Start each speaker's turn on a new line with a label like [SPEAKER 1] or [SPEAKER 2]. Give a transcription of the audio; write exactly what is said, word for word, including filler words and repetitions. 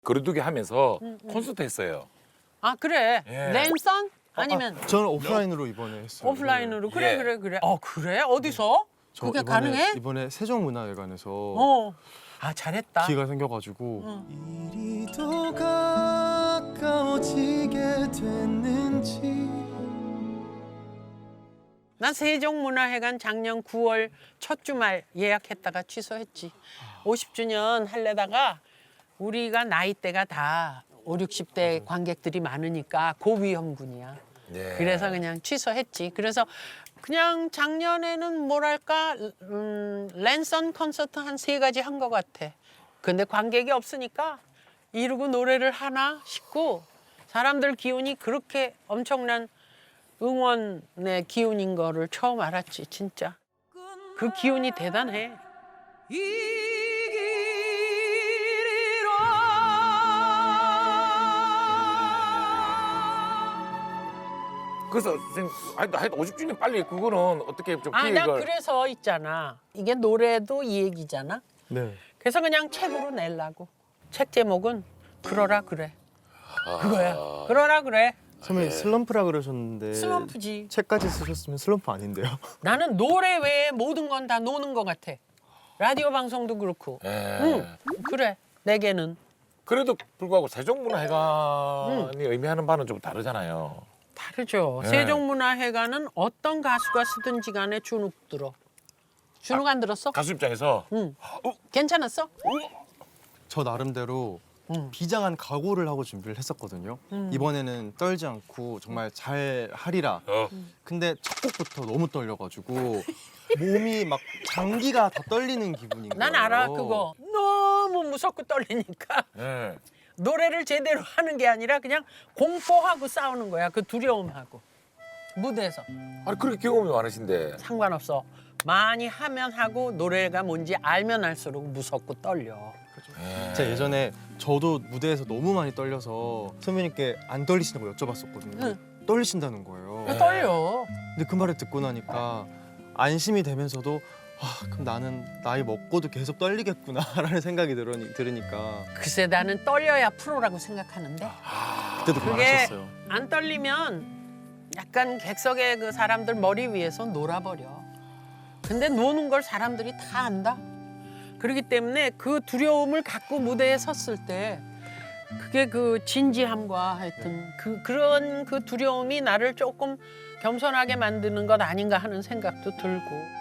[SPEAKER 1] 거리두기 하면서 콘서트 했어요.
[SPEAKER 2] 아 그래.
[SPEAKER 1] 예.
[SPEAKER 2] 랜선? 아니면
[SPEAKER 3] 아, 저는 오프라인으로 이번에 했어요.
[SPEAKER 2] 오프라인으로? 그래
[SPEAKER 1] 예.
[SPEAKER 2] 그래 그래. 어 그래? 어디서?
[SPEAKER 3] 저
[SPEAKER 2] 그게
[SPEAKER 3] 이번에,
[SPEAKER 2] 가능해?
[SPEAKER 3] 이번에 세종문화회관에서
[SPEAKER 2] 어. 아 잘했다.
[SPEAKER 3] 기회가 생겨가지고
[SPEAKER 2] 응.
[SPEAKER 3] 이리도 가까워지게 됐는지.
[SPEAKER 2] 난 세종문화회관 작년 구월 첫 주말 예약했다가 취소했지. 오십 주년 할래다가 우리가 나이대가 다 오, 육십 대 관객들이 많으니까 고위험군이야.
[SPEAKER 1] 예.
[SPEAKER 2] 그래서 그냥 취소했지. 그래서 그냥 작년에는 뭐랄까 음, 랜선 콘서트 한 세 가지 한 것 같아. 근데 관객이 없으니까 이러고 노래를 하나 싶고 사람들 기운이 그렇게 엄청난 응원의 기운인 거를 처음 알았지 진짜. 그 기운이 대단해.
[SPEAKER 1] 그래서 선생님, 하여튼 하여튼 오십 주년 빨리 그거는 어떻게 좀
[SPEAKER 2] 아, 나
[SPEAKER 1] 기획을
[SPEAKER 2] 그래서 있잖아. 이게 노래도 이 얘기잖아.
[SPEAKER 3] 네.
[SPEAKER 2] 그래서 그냥 책으로 내려고. 책 제목은 그러라 그래. 그거야. 그러라 그래.
[SPEAKER 3] 선배님 슬럼프라 그러셨는데
[SPEAKER 2] 슬럼프지.
[SPEAKER 3] 책까지 쓰셨으면 슬럼프 아닌데요?
[SPEAKER 2] 나는 노래 외에 모든 건 다 노는 것 같아. 라디오 방송도 그렇고.
[SPEAKER 1] 예.
[SPEAKER 2] 응, 그래. 내게는.
[SPEAKER 1] 그래도 불구하고 세종문화회관이 의미하는 바는 좀 다르잖아요.
[SPEAKER 2] 다르죠.
[SPEAKER 1] 네.
[SPEAKER 2] 세종문화회관은 어떤 가수가 쓰든지 간에 주눅 들어. 주눅 안 들었어?
[SPEAKER 1] 가수 입장에서
[SPEAKER 2] 응. 괜찮았어?
[SPEAKER 3] 저 나름대로
[SPEAKER 2] 응.
[SPEAKER 3] 비장한 각오를 하고 준비를 했었거든요. 이번에는 떨지 않고 정말 잘 하리라.
[SPEAKER 1] 어.
[SPEAKER 3] 근데 첫 곡부터 너무 떨려가지고 몸이 막 장기가 다 떨리는 기분인 거예요.
[SPEAKER 2] 난 알아 그거. 너무 무섭고 떨리니까
[SPEAKER 1] 예.
[SPEAKER 2] 노래를 제대로 하는 게 아니라 그냥 공포하고 싸우는 거야. 그 두려움하고. 무대에서.
[SPEAKER 1] 아니 그렇게 경험이 많으신데.
[SPEAKER 2] 상관없어. 많이 하면 하고 노래가 뭔지 알면 알수록 무섭고 떨려.
[SPEAKER 1] 예.
[SPEAKER 3] 제가 예전에 저도 무대에서 너무 많이 떨려서 선배님께 안 떨리시냐고 여쭤봤었거든요.
[SPEAKER 2] 응.
[SPEAKER 3] 떨리신다는 거예요.
[SPEAKER 2] 그 떨려.
[SPEAKER 3] 근데 그 말을 듣고 나니까 안심이 되면서도 아, 그럼 나는 나이 먹고도 계속 떨리겠구나라는 생각이 들으니, 들으니까
[SPEAKER 2] 글쎄 나는 떨려야 프로라고 생각하는데
[SPEAKER 3] 그때도 그
[SPEAKER 2] 그게
[SPEAKER 3] 말하셨어요.
[SPEAKER 2] 안 떨리면 약간 객석의 그 사람들 머리 위에서 놀아버려. 근데 노는 걸 사람들이 다 안다. 그렇기 때문에 그 두려움을 갖고 무대에 섰을 때 그게 그 진지함과 하여튼 그 그런 그 두려움이 나를 조금 겸손하게 만드는 것 아닌가 하는 생각도 들고.